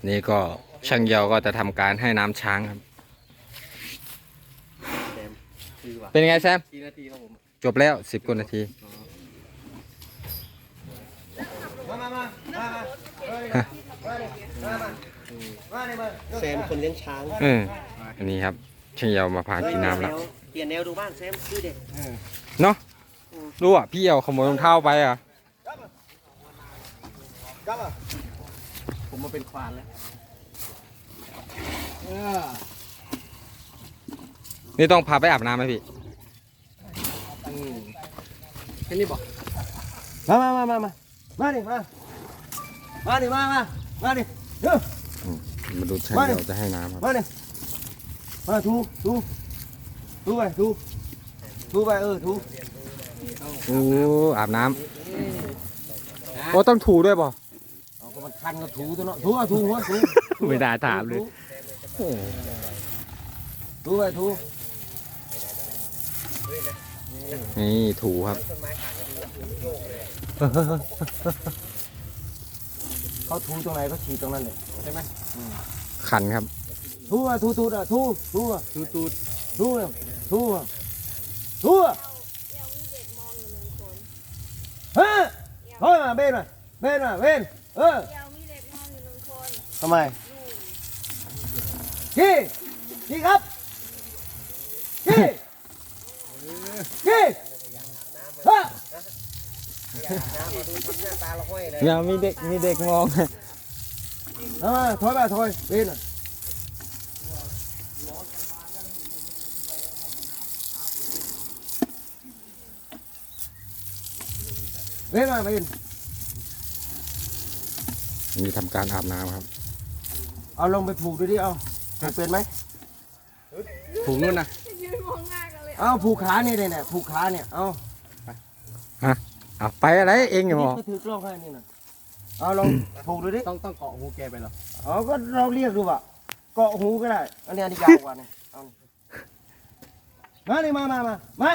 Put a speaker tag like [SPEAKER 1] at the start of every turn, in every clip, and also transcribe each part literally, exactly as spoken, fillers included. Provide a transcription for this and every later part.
[SPEAKER 1] นี่ก็ช่างเยาก็จะทำการให้น้ำช้างครับเป็นไงแซมกี่นาทีครับผมจบแล้วสิบกว่านาที
[SPEAKER 2] มามามามามาแซมคนเลี้ยงช้าง
[SPEAKER 1] เอออันนี้ครับช่างเยามาพากินน้ำแล้ว
[SPEAKER 2] เปลี่ยนแนวดูบ้างแซมดูเด็ก
[SPEAKER 1] เนาะรู้อ่ะพี่เอาขโมยรองเท้าไปอ่ะ
[SPEAKER 2] ผมมาเป็นควานแล้ว
[SPEAKER 1] นี่ต้องพาไปอาบน้ำไหมพี่
[SPEAKER 2] แค่นี้บอกมามามามามามาดิมามาดิมามามาดิเดี๋ยว
[SPEAKER 1] มาดูช่างเยาจะให้น้ำครับ
[SPEAKER 2] มาดิมาถูถูถูไปถูถูไปเออถู
[SPEAKER 1] โอ้อาบน้ำโอ้ต้องถูด้วยป่ะ
[SPEAKER 2] เอาก็มันคันก็ถูตัวเนาะถูอ่ะถูหัวถู
[SPEAKER 1] ไม่ได้ถามเลย
[SPEAKER 2] ถูไปถู
[SPEAKER 1] นี่ถูครับ
[SPEAKER 2] เขาถูตรงไหนเขาฉีดตรงนั้นเลยใช่ไหม
[SPEAKER 1] ขันครับ
[SPEAKER 2] ถูอ่ะถูถูอ่ะถูถูอ่ะถูถูถูอ่ะถูอ่ะถูอ่ะฮะเฮ้ยมาเบนมาเบนมาเบนเออทำไมพี่พี่ครับพี่พี่ฮะ
[SPEAKER 1] อย่ามีเด็กมีเด็กมอง
[SPEAKER 2] อ่าถอยมาถอยเบนเบนมาเบน
[SPEAKER 1] มีทำการอาบน้ำครับ
[SPEAKER 2] เอาลงไปผูกดูดิเอาผูกเป็นไหม
[SPEAKER 1] ผูกนู่นนะ
[SPEAKER 2] เอาผูกขาเนี่ยเนี่ยผูกขาเนี่ยเอา
[SPEAKER 1] ฮะเอาไปอะไรเองอยู่หรอ
[SPEAKER 2] ก็ถือกล้องให้นี่นะเอาลองผูกดูดิ
[SPEAKER 3] ต้องต้องเกาะหูแกไปหรอ
[SPEAKER 2] เอาก็เราเรียกดูว่ะเกาะหูก็ได้อันนี้อันนี้ยาวกว่าเนี่ยเอามาเลยมามามามา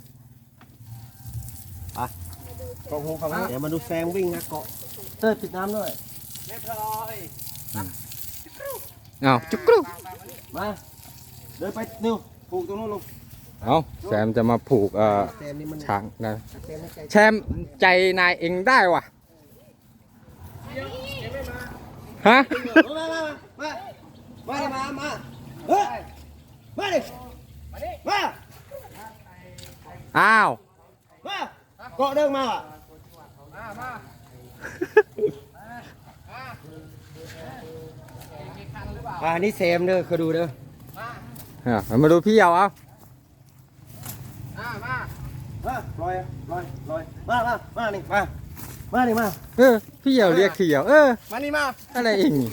[SPEAKER 2] อ่ะเกาะหูฝั่งนี้เดี๋ยวมาดูแซงวิ่งนะเกาะเติร์ติดน้ำด้วย
[SPEAKER 3] เรียบร้อย
[SPEAKER 1] เอาจุกกรู
[SPEAKER 2] มาเดินไปนิ้วผูกตรงนู้นลง
[SPEAKER 1] เอาแซมจะมาผูกเอ่อช้างนะแชมใจนายเองได้วะฮะ
[SPEAKER 2] มามามามามามามาเฮ้ยมาดิมา
[SPEAKER 1] อ้าว
[SPEAKER 2] มาเกาะเดินมาอ่ะอ่านี่เซมเด้อคือดูเด้อ
[SPEAKER 1] มาดูพี่เยาเอา
[SPEAKER 2] มามามาลอยลอยลอยมามามานี่มามานี่มา
[SPEAKER 1] เออพี่เยาเรียกพี่เยาเออ
[SPEAKER 2] มานี่มา
[SPEAKER 1] อะไรเอง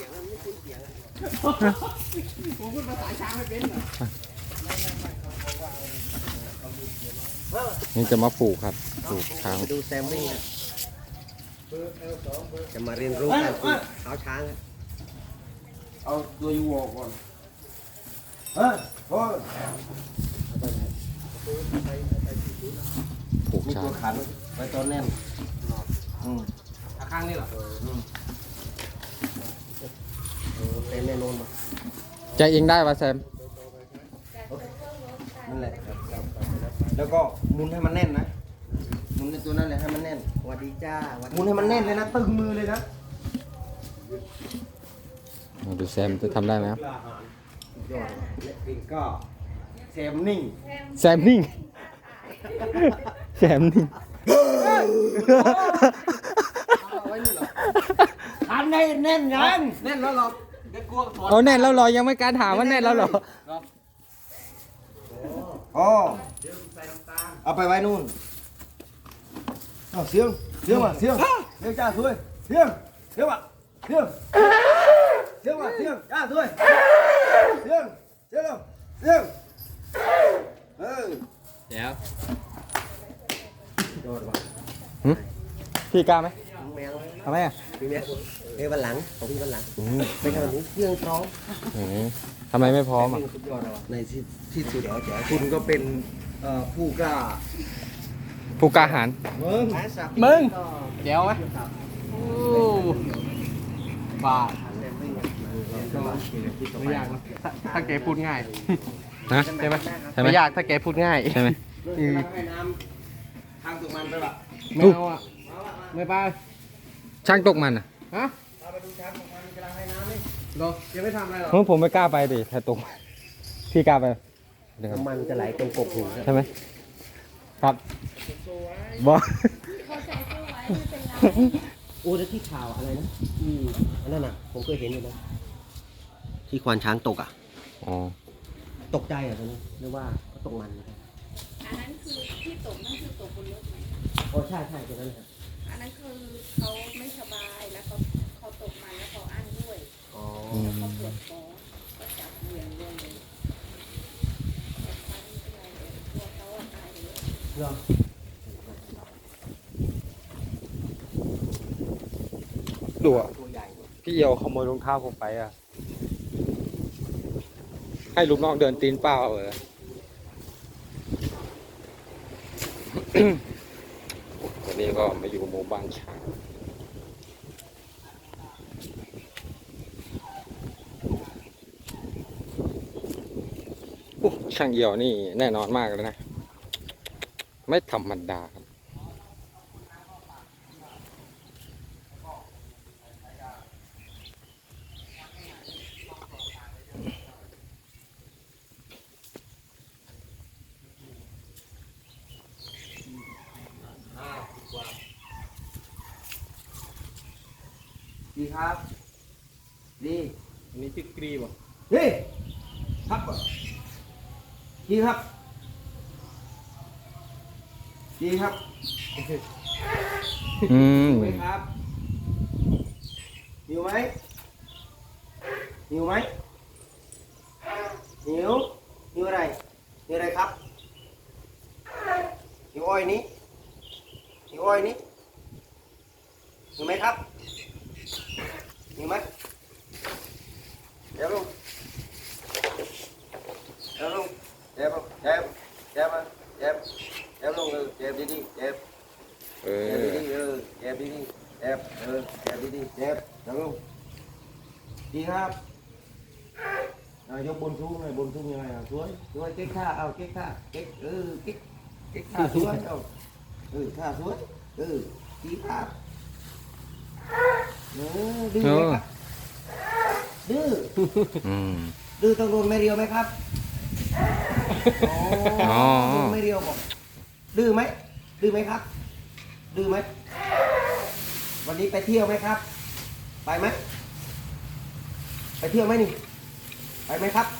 [SPEAKER 2] ผมพูดภาษาช้างไม่เป็น
[SPEAKER 1] นี่จะมาผูกครับผูกช้าง
[SPEAKER 2] ดูแซมมี่จะมาเรียนรู้การผูกเท้าช้างเอาตัวยูวอก่อนเฮ้ยโอ้ย
[SPEAKER 1] ผูกช้าง
[SPEAKER 2] ตัวขันไว้ตอนแน่นอืม
[SPEAKER 3] ข้างนี่เหรอ
[SPEAKER 2] เต็มแน่นอนมา
[SPEAKER 1] ใจเองได้ป่ะแซม
[SPEAKER 2] นั่นแหละแล้วก็หมุนให้มันแน่นนะหมุนในตัวนั่นแหละให้มันแน่นสวัสดีจ้าหมุนให้มันแน่นเลยนะตึงมือเลยนะ
[SPEAKER 1] ดูแซมจะทำได้ไหมครับ
[SPEAKER 2] ยอดก็แซมนิ่ง
[SPEAKER 1] แซมนิ่งแซมนิ่ง
[SPEAKER 2] ทำได้แน่นยัง
[SPEAKER 3] แน่นแล้วหรอเดี๋ยวกลัวถอด
[SPEAKER 1] เอาแน่นแล้วหรอยังไม่การถามว่าแน่นแล้วหรอ
[SPEAKER 2] อ๋อเอาไปไว้นู่นเอาเสียงเสียงมาเสียงเสียงจ้าสวยเสียงเสียงมาเสียงเสียงมาเสียงจ้าสวยเสียงเสียงเสียงเออ
[SPEAKER 1] เดี๋ยว
[SPEAKER 2] โดดว่ะ
[SPEAKER 1] พี่กล้าไหม
[SPEAKER 2] แมว
[SPEAKER 1] ทำไมอ่ะ
[SPEAKER 2] พี่แมวเอ้ยวันหลังของพี่วันหลังไปทำนี้เครื่องพร้อม
[SPEAKER 1] ทำไมไม่พร้อมอ่ะ
[SPEAKER 2] ในที่ที่สุดคุณก็เป็นผู้กล้า
[SPEAKER 1] ผู้กล้าหาญ
[SPEAKER 2] มึง
[SPEAKER 3] มึงเดี๋ยวไหมบ้าไม่ยากนะถ้าถ้าแกพูดง่าย
[SPEAKER 1] นะ
[SPEAKER 3] ใช่ไหม
[SPEAKER 1] ใช่ไหม
[SPEAKER 3] ไม่ยากถ้าแกพูดง่าย
[SPEAKER 1] ใช่ไหม
[SPEAKER 3] อืม
[SPEAKER 2] ให้น้ำทางตรงมันไปปะ
[SPEAKER 3] ไม่เอาอ่ะไม่ไป
[SPEAKER 1] ช่างตกมันอ่ะ
[SPEAKER 3] ฮะ
[SPEAKER 2] เอาไปดูช้างตรงมันกำลังให้น้ำนี่
[SPEAKER 3] เหรอยังไม่ทำอะไรหรอ
[SPEAKER 1] เพราะผมไม่กล้าไปดิถ้าตกพี่กล้าไปเดี๋ยวครับ
[SPEAKER 2] น้ำมันจะไหลตรงกบหู
[SPEAKER 1] ใช่ไหมครับบอ
[SPEAKER 4] เขาใส่ตู้ไว้ไม่เป็นไร
[SPEAKER 2] โอ้แล้วที่ข่าวอะไรนะอืมอันนั้นน่ะผมเคยเห็นอยู่นะที่ควานช้างตกอ่ะ
[SPEAKER 1] อ๋อ
[SPEAKER 2] ตกใจเหรอ่ะตอนนี้หรือว่าเขาตกมันนะครับ
[SPEAKER 4] อันนั้นคือที่ตกนั่นคือตกบนรถไหม
[SPEAKER 2] โอ้ใช่ใช่ตรงนั้นครับ
[SPEAKER 4] อันนั้นคือเขาไม่สบายแล้วเขาเขาตกมันแล้วเขาอั้นด้วย
[SPEAKER 2] อ๋อ
[SPEAKER 4] แล้วเขาปวดท้องก็จับเหวี่ยงลงเลยแต่ฟันไม่เป็นไรเลยตัวเขาอะตายเลย
[SPEAKER 2] เหรอ
[SPEAKER 1] ดูอ่ะ
[SPEAKER 2] ตัวใหญ่
[SPEAKER 1] พี่เอียวขโมยรองเท้าผมไปอ่ะ ให้ลูกน้องเดินตีนเปล่าเออ วันนี้ก็มาอยู่หมู่บ้านช้างโอ้ช่างเอี่ยวนี่แน่นอนมากเลยนะ ไม่ธรรมดาครับ
[SPEAKER 2] ดีครับดี
[SPEAKER 3] อันนี้ชื่อกรีบอ่ะ
[SPEAKER 2] ดีครับดีครับดีครับ
[SPEAKER 1] อืม
[SPEAKER 2] หิวไหมครับหิวไหมหิวไหมหิวหิวอะไรหิวอะไรครับหิวอ้อยนี้หิวอ้อยนี้หิวไหมครับหิวไหมเดี๋ยวลงเดี๋ยวลงเดี๋ยวลงเดี๋ยวเดี๋ยวมาเดี๋ยวเดี๋ยวลงเออเดี๋ยวดีๆเดี๋ยว
[SPEAKER 1] เอ
[SPEAKER 2] เจ็บ
[SPEAKER 1] อ
[SPEAKER 2] ดีๆเออเจ็บดีๆเจ็บเออเจ็บดีๆเจ็บจังลูกดีครับอ่ายกบนสูงหน่อยบนสูงยังไงอ่ะสวยสวยเก๊กท่าเอาเก๊กท่าเก๊กเออเก๊กเก๊กท่าสวยเอาเออท่าสวยเออดีครับเออดื้อไหมครับดื้อ
[SPEAKER 1] อืม
[SPEAKER 2] ดื้อต้องโดนไม่เรียวไหมครับอ๋อ
[SPEAKER 1] อ๋อ
[SPEAKER 2] โดนไม่เรียวบอกดื้อไหมดื้อไหมครับ ดื้อไหมวันนี้ไปเที่ยวไหมครับ ไปไหมไปเที่ยวไหมนี่ ไปไหมครับ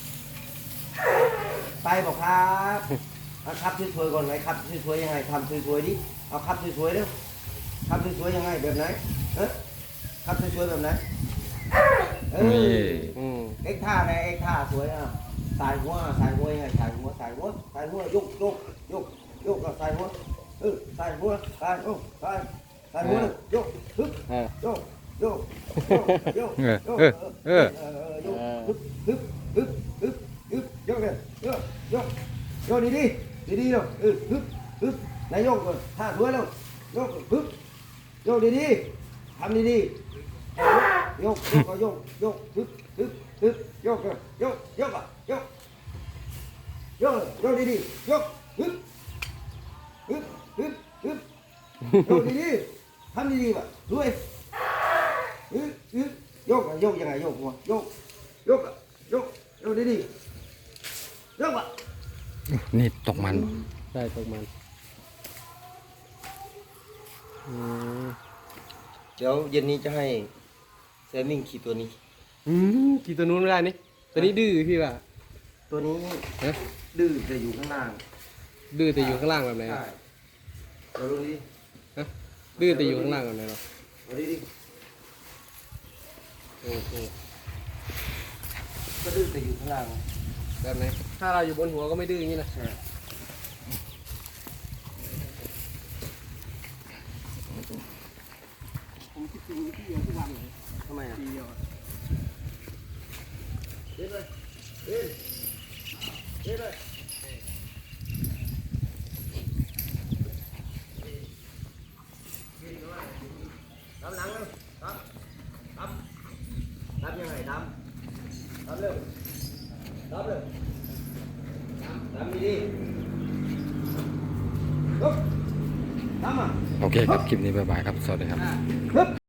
[SPEAKER 2] ไปบอกครับเอาครับสวยๆก่อนไหนครับสวยๆยังไงทำสวยๆดิเอาครับสวยๆเร็วครับสวยๆยังไงแบบไหนเออครับสวยๆแบบไหนเอ
[SPEAKER 1] นี่
[SPEAKER 2] อ
[SPEAKER 3] อืม
[SPEAKER 2] เอ็กท่าไหนเอ็กท่าสวยอ่ะสายหัวสายหัวยังไงสายหัวสายหัวสายหัวยกยกยกยกกับสายหัวเออสายหัวสายโอ้สายสายหัวเลยยกฮึบ
[SPEAKER 3] เออ
[SPEAKER 2] โยกโยกโยก
[SPEAKER 1] เออ
[SPEAKER 2] โยก
[SPEAKER 1] เออเออ
[SPEAKER 2] เออโยกฮึบฮึบฮึบฮึบฮึบโยกเลยโยกโยกโยกดีดีดีดีๆเลยเออฮึบฮึบนายโยกก่อนท่าสวยแล้วโยกฮึบโยกดีดีๆทำดีดีๆโยกโยกก็โยกโยกฮึบฮึบฮึบโยกเลยโยกโยกอ่ะโยกโยกโยกดีดีๆโยกฮึบฮึบฮึบฮึบโยกดีดีๆทำดีดีๆว่ะด้วยฮึบฮึบโยกอ่ะโยกยังไงโยกหัวโยกโยกอ่ะโยกโยกดีดีๆโยกอ่ะ
[SPEAKER 1] นี่ตกมัน
[SPEAKER 3] ใช่ตกมันอืม
[SPEAKER 2] เดี๋ยวเย็นนี้จะให้แซมมิ่งขี่ตัวนี้
[SPEAKER 3] อืมกี่ตัวนู้นไม่ได้นี่ตัวนี้ดื้อพี่ว่ะ
[SPEAKER 2] ตัวนี้
[SPEAKER 3] ฮะ
[SPEAKER 2] ดื้อจะอยู่ข้างล่าง
[SPEAKER 3] ดื้อแต่อยู่ข้างล่างแบบไหน
[SPEAKER 2] ใช่
[SPEAKER 3] อะ
[SPEAKER 2] เดี๋ยวดูดิ
[SPEAKER 3] ฮะดื้อแต่อยู่ข้างล่างแบบไหนหรอ
[SPEAKER 2] ดูดิดิ
[SPEAKER 3] โอ้โห
[SPEAKER 2] ก็ดื้อแต่อยู่ข้างล่าง
[SPEAKER 3] แบบไหนถ้าเราอยู่บนหัวก็ไม่ดื้ออย่างนี้นะ
[SPEAKER 2] ใช่ผมคิดถึงพี่เดียวทุกวันเลยทำไมอ่ะ
[SPEAKER 3] ดีอ่ะ
[SPEAKER 2] เด็ดเลยเด็ดเด็ดเลยดำหนังเลยดำดำดำยังไงดำรับเลยรับเลยทำดีๆลุกทำอ่ะ
[SPEAKER 1] โอเคครับ คลิปนี้บ๊ายบายครับ สวัสดีครับ
[SPEAKER 2] ฮึบ